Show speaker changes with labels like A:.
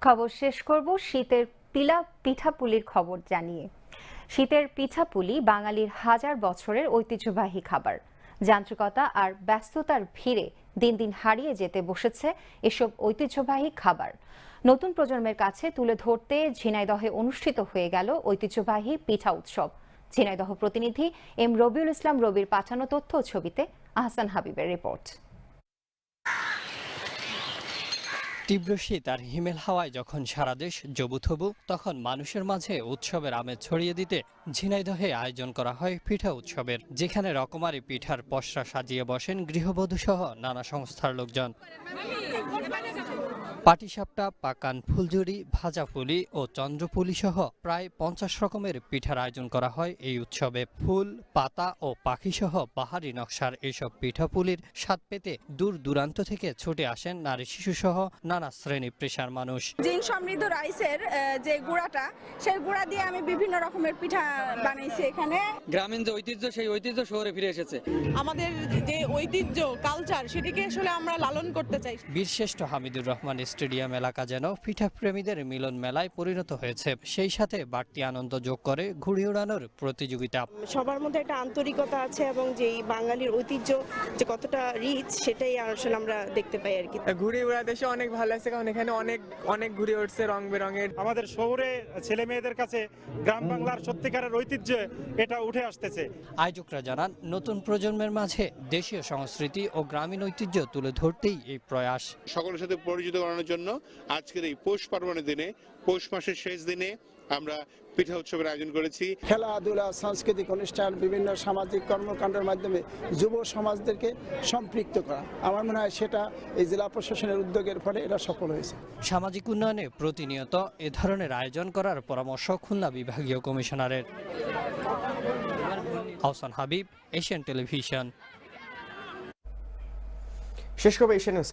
A: খবর শেষ করব শীতের পিঠাপুলির খবর জানিয়ে। শীতের পিঠাপুলি বাঙালির হাজার বছরের ঐতিহ্যবাহী খাবার। যান্ত্রিকতা আর ব্যস্ততার ভিড়ে দিন দিন হারিয়ে যেতে বসেছে এসব ঐতিহ্যবাহী খাবার। নতুন প্রজন্মের কাছে তুলে ধরতে ঝিনাইদহে অনুষ্ঠিত হয়ে গেল ঐতিহ্যবাহী পিঠা উৎসব। ঝিনাইদহ প্রতিনিধি এম রবিউল ইসলাম রবির পাঠানো তথ্য ও ছবিতে আহসান হাবিবের রিপোর্ট।
B: তীব্র শীত আর হিমেল হাওয়ায় যখন সারা দেশ জবুথবু, তখন মানুষের মাঝে উৎসবের আমেজ ছড়িয়ে দিতে ঝিনাইদহে আয়োজন করা হয় পিঠা উৎসবের, যেখানে রকমারি পিঠার পসরা সাজিয়ে বসেন গৃহবধূ সহ নানা সংস্থার লোকজন। পাটিসাপটা, পাকান ফুলঝুরি, ভাজা পুলি ও চন্দ্রপুলি সহ প্রায় 50 রকমের পিঠার আয়োজন করা হয় এই উৎসবে। ফুল, পাতা ও পাখি সহ বাহারি নকশার এসব পিঠাপুলির স্বাদ পেতে দূর দূরান্ত থেকে ছুটে আসেন নারী শিশু সহ নানা শ্রেণী পেশার মানুষ।
C: জিন সমৃদ্ধ রাইসের যে গুঁড়াটা, সেই গুঁড়া দিয়ে আমি বিভিন্ন রকমের পিঠা বানাইছি। এখানে
D: গ্রামীণ যে ঐতিহ্য, সেই ঐতিহ্য শহরে ফিরে এসেছে।
E: আমাদের যে ঐতিহ্য কালচার, সেটিকে আসলে আমরা লালন করতে চাই।
B: বীরশ্রেষ্ঠ হামিদুর রহমান স্টেডিয়াম এলাকা যেন পিঠা প্রেমীদের মিলন মেলায় পরিণত হয়েছে। সেই সাথে বাড়তি আনন্দ যোগ করে ঘুড়ি উড়ানোর প্রতিযোগিতা।
F: সবার মধ্যে একটা আন্তরিকতা আছে এবং যেই বাঙালির ঐতিহ্য যে কতটা রিচ, সেটাই আসলে আমরা দেখতে পাই আর কি।
G: ঘুড়ি উড়া দেশে অনেক ভালো লাগছে, কারণ এখানে অনেক ঘুড়ি উঠছে রং বেরঙের।
H: আমাদের শহরে ছেলে মেয়েদের কাছে গ্রাম বাংলার সত্যিকারের ঐতিহ্য এটা উঠে আসতেছে।
B: আয়োজকরা জানান, নতুন প্রজন্মের মাঝে দেশীয় সংস্কৃতি ও গ্রামীণ ঐতিহ্য তুলে ধরতেই এই প্রয়াস।
I: সকলের সাথে পরিচিত করানোর জন্য আজকের এই পৌষ পার্বণের দিনে, পৌষ মাসের শেষ দিনে আমরা পিঠা উৎসবের আয়োজন করেছি।
J: খেলাধুলা, সাংস্কৃতিক অনুষ্ঠান, বিভিন্ন সামাজিক কর্মকাণ্ডের মাধ্যমে যুব সমাজদেরকে সম্পৃক্ত করা, আমার মনে হয় সেটা এই জেলা প্রশাসনের উদ্যোগের ফলে এটা সফল হয়েছে।
B: সামাজিক উন্নয়নে প্রতিনিয়ত এ ধরনের আয়োজন করার পরামর্শ খুলনা বিভাগীয় কমিশনারের। Ahsan Habib, Asian television.
K: শেষ করবে এশিয়ান নিউজ।